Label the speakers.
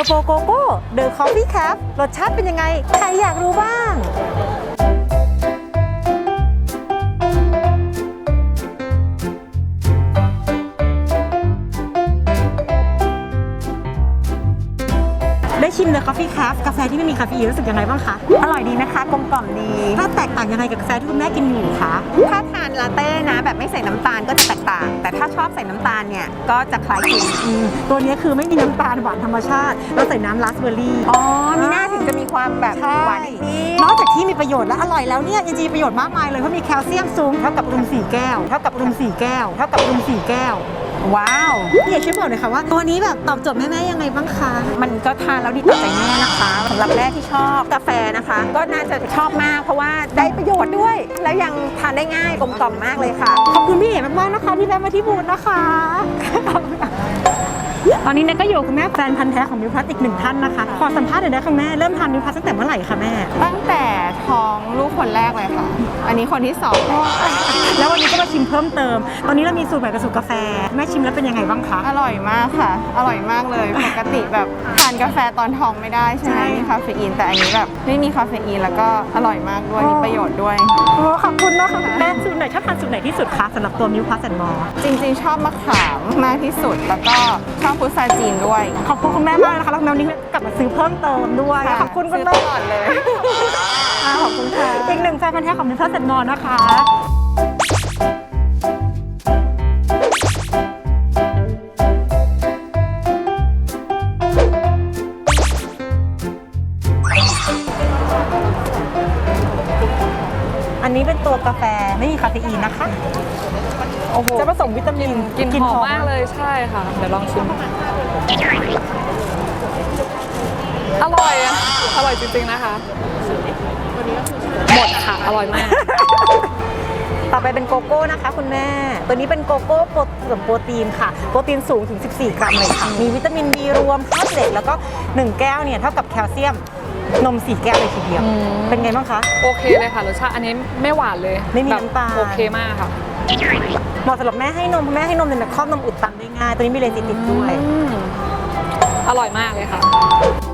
Speaker 1: อร์โบโกโก้เดอะคอฟฟี่แคปรสชาติเป็นยังไงใครอยากรู้บ้างได้ชิม The Coffee Craft กาแฟที่ไม่มีคาเฟอีนรู้สึกยังไงบ้างคะอร่อยดีนะคะกลมกล่อมดีถ้าแตกต่างยังไงกับกาแฟที่คุณแม่กินอยู่คะถ้าทานลาเต้นะแบบไม่ใส่น้ำตาลก็จะแตกต่างแต่ถ้าชอบใส่น้ำตาลเนี่ยก็จะคล้ายคลึงตัวนี้คือไม่มีน้ำตาลหวานธรรมชาติเราใส่น้ำราสเบอร์รี่อ๋อมีหน้าถึงจะมีความแบบหวานนิดนอกจากที่มีประโยชน์และอร่อยแล้วเนี่ยยังมีประโยชน์มากมายเลยเพราะมีแคลเซียมสูงเท่ากับนม4 แก้วเท่ากับนม4 แก้วเท่ากับนม4 แก้วว้าวพี่เอกช่วยบอกหน่อยค่ะว่าตัวนี้แบบตอบโจทย์แม่ๆยังไงบ้างคะมันก็ทานแล้วดีต่อใจแม่นะคะสำหรับแม่ที่ชอบกาแฟนะคะก็น่าจะชอบมากเพราะว่าได้ประโยชน์ด้วยแล้วยังทานได้ง่ายกลมกล่อมมากเลยค่ะขอบคุณพี่เอกมากๆนะคะที่แวะมาที่บูธนะคะตอนนี้เนี่ยก็อยู่กับคุณแม่แฟนพันธุ์แท้ของมิวพลัสอีก1ท่านนะคะขอสัมภาษณ์หน่อยได้ค่ะแม่เริ่มทานมิวพลัสตั้งแต่เมื่อไหร่คะแม่
Speaker 2: ตั้งแต่ท้องลูกคนแรกเลยค่ะอันนี้คนที่2
Speaker 1: แล้ววันนี้ก็มาชิมเพิ่มเติมตอนนี้เรามีสูตรใหม่กับสูตรกาแฟแม่ชิมแล้วเป็นยังไงบ้างคะ
Speaker 2: อร่อยมากค่ะอร่อยมากเลยปกติแบบทานกาแฟตอนท้องไม่ได้ใช่ไหมมีคาเฟอีนแต่อันนี้แบบไม่มีคาเฟอีนแล้วก็อร่อยมากด้วยมีประโยชน์ด้วย
Speaker 1: โอ้ขอบคุณนะคะแม่สูตรไหนชอบทานสูตรไหนที่สุดคะสำหรับตัวมิวพลัสแอนด์มอร์
Speaker 2: จริงๆชอบมะขามมากที่สุดแล้วก็ชอบพุทราจีนด้วย
Speaker 1: ขอบคุณคุณแม่มากนะคะแล้ววันนี้กลับมาซื้อเพิ่มเติมด้วยขอบคุณคุณแม่
Speaker 2: ตลอดเลย
Speaker 1: ขอบคุณค่ะอีก1แฟนพันธุ์แท้ของมิวพลัสแอนด์มอร์นะคะอันนี้เป็นตัวกาแฟไม่มีคาเฟอีนนะคะโอ้โหจะผสมวิตามิน
Speaker 3: กินหอมมากเลยใช่ค่ะเดี๋ยวลองชิมอร่อยอะอร่อยจริงๆนะคะหมดค่ะอร่อยมาก
Speaker 1: ต่อไปเป็นโกโก้นะคะคุณแม่ตัวนี้เป็นโกโก้ผสมโปรตีนค่ะโปรตีนสูงถึง14 กรัมเลยค่ะมีวิตามิน B รวมธาตุเหล็กแล้วก็1แก้วเนี่ยเท่ากับแคลเซียมนม4 แก้วเลยทีเดียวเป็นไงบ้างคะ
Speaker 3: โอเคเลยค่ะรสชาติอันนี้ไม่หวานเลย
Speaker 1: ไม่มีน้ำตาล
Speaker 3: โอเคมากค่ะ
Speaker 1: เหมาะสำหรับแม่ให้นมแม่ให้นมเนี่ยครอบนมอุดตันได้ง่ายตัวนี้มีเลซิติดด้วย
Speaker 3: อร่อยมากเลยค่ะ